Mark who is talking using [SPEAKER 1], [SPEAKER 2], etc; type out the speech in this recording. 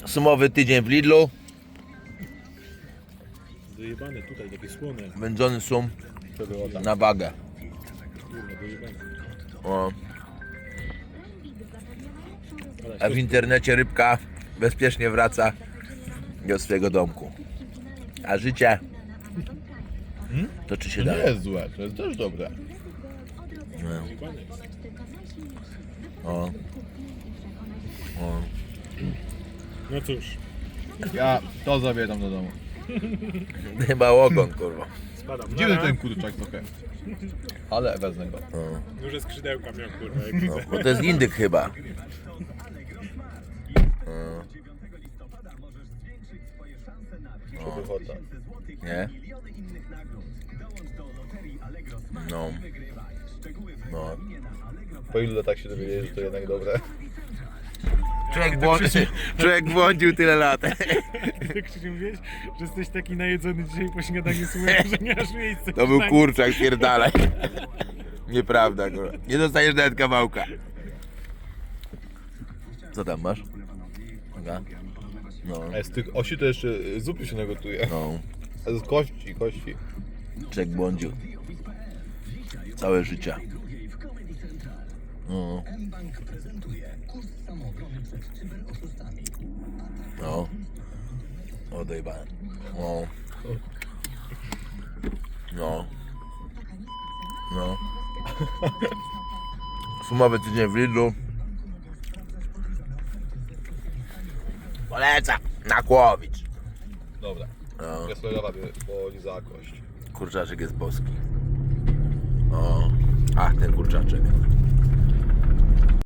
[SPEAKER 1] Sumowy tydzień w Lidlu.
[SPEAKER 2] Dojebane tutaj, takie słone.
[SPEAKER 1] Wędzony sum
[SPEAKER 3] To było tak.
[SPEAKER 1] na wagę.
[SPEAKER 2] Kurwa, dojebane.
[SPEAKER 1] O.
[SPEAKER 2] Ale
[SPEAKER 1] A w internecie rybka bezpiecznie wraca do swojego domku. A życie toczy się
[SPEAKER 3] To nie
[SPEAKER 1] dalej.
[SPEAKER 3] jest złe, to jest też dobre.
[SPEAKER 2] dojebane jest.
[SPEAKER 1] O. O.
[SPEAKER 2] No cóż,
[SPEAKER 3] Ja to zabieram do domu.
[SPEAKER 1] Chyba ogon, kurwa.
[SPEAKER 2] spadam.
[SPEAKER 3] Dziwny ten kurczak trochę. Ale wezmę go.
[SPEAKER 1] O.
[SPEAKER 2] Duże skrzydełka miał, kurwa, jak
[SPEAKER 1] No,
[SPEAKER 2] widzę.
[SPEAKER 1] bo to jest indyk chyba.
[SPEAKER 3] Wychota.
[SPEAKER 1] Nie? No. No.
[SPEAKER 3] Po ilu latach się dowiedzieli, że to jednak dobre?
[SPEAKER 1] Człowiek błądził tyle lat.
[SPEAKER 2] Ty, Krzysiu, mówiłeś, że jesteś taki najedzony dzisiaj po śniadaniu słowem, że nie masz miejsca.
[SPEAKER 1] To był kurczak, pierdalaj. Nieprawda, kurwa. Nie dostaniesz nawet kawałka. Co tam masz? Aga? No.
[SPEAKER 3] A z tych osi to jeszcze zupy się nagotuje.
[SPEAKER 1] No.
[SPEAKER 3] A z kości.
[SPEAKER 1] Człowiek błądził. Całe życie. No. No. Odejbałem. No. No. No. Sumowy tydzień w Lidlu. Polecam. Nakłowicz.
[SPEAKER 3] Dobra.
[SPEAKER 1] No.
[SPEAKER 3] Ja sobie robię, bo lizała kość.
[SPEAKER 1] Kurczaczek jest boski. O. Ach, ten kurczaczek.